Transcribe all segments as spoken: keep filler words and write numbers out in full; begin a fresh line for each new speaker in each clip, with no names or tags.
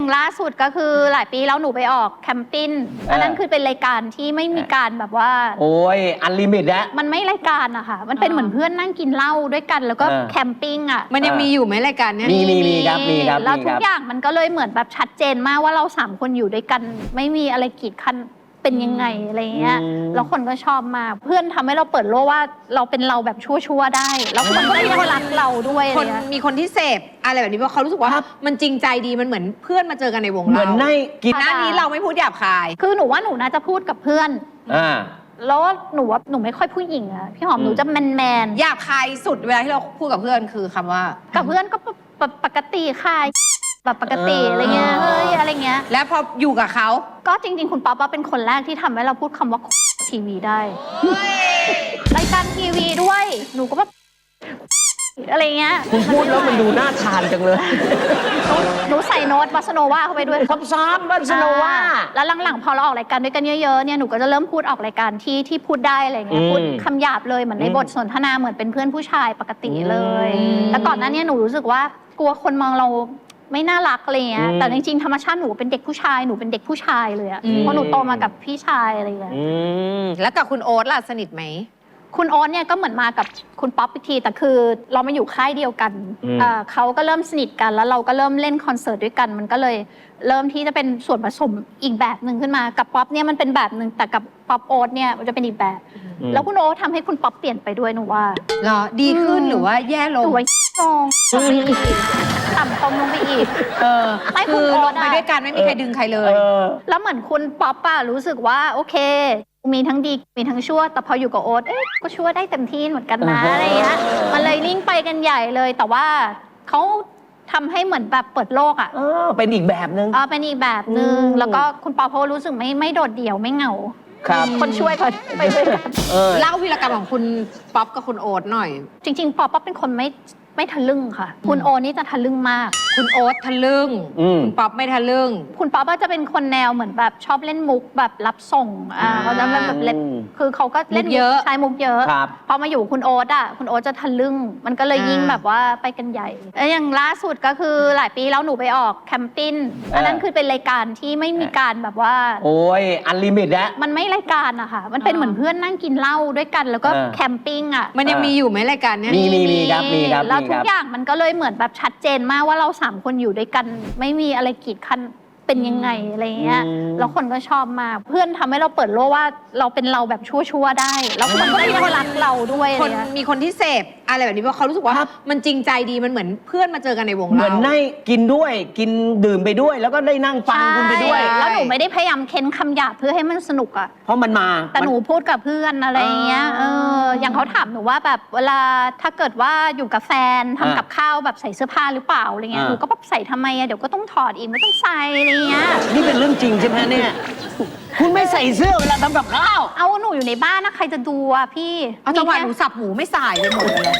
ล่าสุดก็คือหลายปีแล้วหนูไปออกแคมปิ้งอันนั้นคือเป็นรายการที่ไม่มีการแบบว่า
โอ้ยอันลิมิตแล้ว
มันไม่รายการอะค่ะมันเป็นเหมือนเพื่อนนั่งกินเหล้าด้วยกันแล้วก็แคมปิ้งอะ
มันยังมีอยู่ไหมรายการเนี้ย
มีมีมีครับมีครับ
แล้วทุกอย่างมันก็เลยเหมือนแบบชัดเจนมากว่าเราสามคนอยู่ด้วยกันไม่มีอะไรกีดกันเป็นยังไงอะไรเงี้ยแล้วคนก็ชอบมากเพื่อนทำให้เราเปิดโลกว่าเราเป็นเราแบบชั่วๆได้แล้วคนก็ยังรักเราด้วย
คนมีคนที่เสพอะไรแบบนี้เพราะเขารู้สึกว่ามันจริงใจดีมันเหมือนเพื่อนมาเจอกันในวงเรา
เหมือนใน
กินหน้านี้เราไม่พูดหยาบคาย
คือหนูว่าหนูน่าจะพูดกับเพื่อน
อ่า
แล้วหนูว่าหนูไม่ค่อยผู้หญิงอะพี่หอมหนูจะแมนแมน
หยาบคายสุดเวลาที่เราพูดกับเพื่อนคือคำว่า
กับเพื่อนก็ปกติค่ะแบบปกติอะไรเงี้ยเฮ้ยอะไรเงี้ย
แล้วพออยู่กับเขา
ก็จริงๆคุณป๊อปว่าเป็นคนแรกที่ทำให้เราพูดคำว่าทีวีได้รายการทีวีด้วยหนูก็แบบอะไรเงี้ย
คุณพูดแล้วมันดูน่าทานจังเลย
หนูใส่โน้ตบัสโนวาเข้าไปด้วย
ซ้ำๆบัสโนวา
แล้วหลังๆพอเราออกรายการด้วยกันเยอะๆเนี่ยหนูก็จะเริ่มพูดออกรายการที่ที่พูดได้อะไรเงี้ยพูดคำหยาบเลยเหมือนในบทสนทนาเหมือนเป็นเพื่อนผู้ชายปกติเลยแต่ก่อนหน้านี้หนูรู้สึกว่ากลัวคนมองเราไม่น่ารักอะไรเงี้ยแต่จริงๆธรรมชาติหนูเป็นเด็กผู้ชายหนูเป็นเด็กผู้ชายเลยอะเพราะหนูโตมากับพี่ชายอะไรเงี้ย
แล้วกับคุณโอ๊ตล่ะสนิทไหม
คุณโอ๊ตเนี่ยก็เหมือนมากับคุณป๊อปอีกทีแต่คือเรามาอยู่ค่ายเดียวกันเขาก็เริ่มสนิทกันแล้วเราก็เริ่มเล่นคอนเสิร์ตด้วยกันมันก็เลยเริ่มที่จะเป็นส่วนผสมอีกแบบหนึ่งขึ้นมากับป๊อปเนี่ยมันเป็นแบบหนึ่งแต่กับป๊อปโอ๊ตเนี่ยมันจะเป็นอีกแบบแล้วคุณโอ๊ตทำให้คุณป๊อปเปลี่ยนไปด้วยหนูว่า
เหรอดีขึ้นหรือว่าแย่ลง
หรือว่าลงต่ำตรงลงไปอีก
เออไม่คือลงไปด้วยกันไม่มีใครดึงใครเลย
แล้วเหมือนคุณป๊อปอะรู้สึกว่าโอเคมีทั้งดีมีทั้งชั่วแต่พออยู่กับโอ๊ตเอ๊ะก็ชั่วได้เต็มที่เหมือนกันนะอะไรเงี้ยมันเลยลิ่งไปกันใหญ่เลยแต่ว่าเขาทำให้เหมือนแบบเปิดโลกอ่ะ
เออเป็นอีกแบบนึง
อ๋อเป็นอีกแบบนึงแล้วก็คุณป๊อปเขารู้สึกไม่ไม่โดดเดี่ยวไม่เหงา
ครับ
คนช่วยเขาไปด้วยกัน
เล่าวีรกรรมของคุณป๊อปกับคุณโอ๊ตหน่อย
จริงๆป๊อปเป็นคนไม่ไม่ทะลึ่งค่ะคุณโอ๊ตนี่จะทะลึ่งมาก
คุณโอ๊ตทะลึ่งคุณป๊อปไม่ทะลึ่ง
คุณป๊อปจะเป็นคนแนวเหมือนแบบชอบเล่นมุกแบบรับส่งอ่าเขาจะแบบเล่นคือเขาก็เล่น
เยอะ
ใช้มุกเยอะพอมาอยู่คุณโอ๊ตอ่ะคุณโอ๊ตจะทะลึ่งมันก็เลยยิ่งแบบว่าไปกันใหญ่แล้วอย่างล่าสุดก็คือหลายปีแล้วหนูไปออกแคมปิ้งอันนั้นคือเป็นรายการที่ไม่มีการแบบว่า
โอ้ยอันลิมิตแล้ว
มันไม่รายการอะค่ะมันเป็นเหมือนเพื่อนนั่งกินเหล้าด้วยกันแล้วก็แคมปิ้งอะ
มันยังมีอยู่ไหมรายการเนี้ย
มีมีมีครับมีครับ
แล้วทุกอย่างมันก็เลยเหมือนแบบชัดเจนมากว่าเราสามคนอยู่ด้วยกันไม่มีอะไรกีดกันเป็นยังไงอะไรเงี้ยแล้วคนก็ชอบมากเพื่อนทำให้เราเปิดโลกว่าเราเป็นเราแบบชั่วๆได้แล้วคนก็ยังรักเราด้วย
คนมีคนที่เสพอะไรแบบนี้เพราะเขารู้สึกว่ามันจริงใจดีมันเหมือนเพื่อนมาเจอกันในวงเรา
เหมือนได้กินด้วยกินดื่มไปด้วยแล้วก็ได้นั่งฟังคุณไปด้วย
แล้วหนูไม่ได้พยายามเค้นคำหยาบเพื่อให้มันสนุกอ่ะ
เพราะมันมา
แต่หนูพูดกับเพื่อนอะไรเงี้ยเอออย่างเขาถามหนูว่าแบบเวลาถ้าเกิดว่าอยู่กับแฟนทำกับข้าวแบบใส่เสื้อผ้าหรือเปล่าอะไรเงี้ยหนูก็แบบใส่ทำไมอะเดี๋ยวก็ต้องถอดอีกไม่ต้องใส่อะไรเงี้ย
นี่เป็นเรื่องจริงใช่ไหมเนี่ยคุณไม่ใส่เสื้อเวลาทำกับข้าว
เอาหนูอยู่ในบ้านนะใครจะดูอ่ะพี่
เอาจังหวะหนูสับหมูไม่ใส่ไปหมดเลย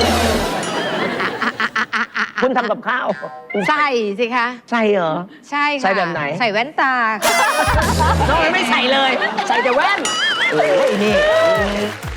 คุณทำกับข้าว
ใส่สิคะ
ใส่เหรอ
ใช่ค่ะ
ใส่แบบไหน
ใส่แว่นตา
น้องไม่ใส่เลยใส่แต่แว่นเออนี่